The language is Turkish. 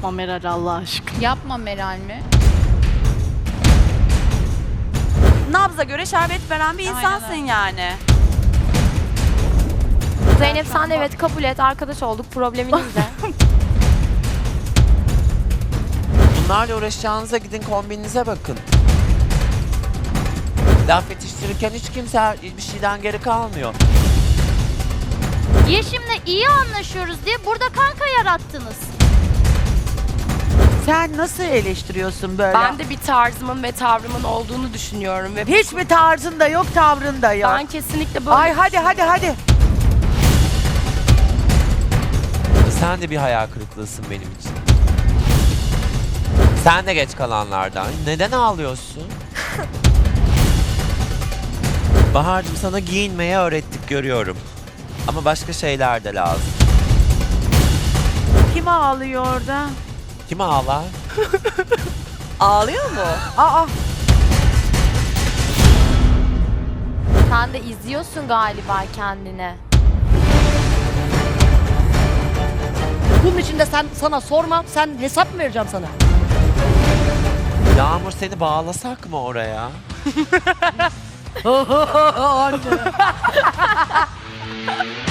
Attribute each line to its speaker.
Speaker 1: Yapma Meral Allah aşkına.
Speaker 2: Yapma Meral mi?
Speaker 3: Nabza göre şerbet veren bir
Speaker 2: Aynen
Speaker 3: insansın
Speaker 2: öyle.
Speaker 3: yani.
Speaker 4: Zeynep sen de evet kabul et. Arkadaş olduk. Probleminiz de.
Speaker 5: Bunlarla uğraşacağınıza gidin kombininize bakın. Laf yetiştirirken hiç kimse bir şeyden geri kalmıyor.
Speaker 6: Yeşim'le iyi anlaşıyoruz diye burada kanka yarattınız.
Speaker 7: Sen nasıl eleştiriyorsun böyle?
Speaker 4: Ben de bir tarzımın ve tavrımın olduğunu düşünüyorum ve
Speaker 7: Hiç mi tarzın da yok, tavrın da yok?
Speaker 4: ben kesinlikle böyle
Speaker 7: Ay hadi.
Speaker 5: Sen de bir hayal kırıklığısın benim için. Sen de geç kalanlardan. Neden ağlıyorsun? Bahar'cığım sana giyinmeyi öğrettik görüyorum. Ama başka şeyler de lazım.
Speaker 7: Kim ağlıyor orada?
Speaker 5: Kim ağlar?
Speaker 3: Ağlıyor mu?
Speaker 7: Aa,
Speaker 4: sen de izliyorsun galiba kendini.
Speaker 8: Bunun için de sana sormam, sen hesap mı vereceğim sana?
Speaker 5: Yağmur seni bağlasak mı oraya?
Speaker 8: Anne.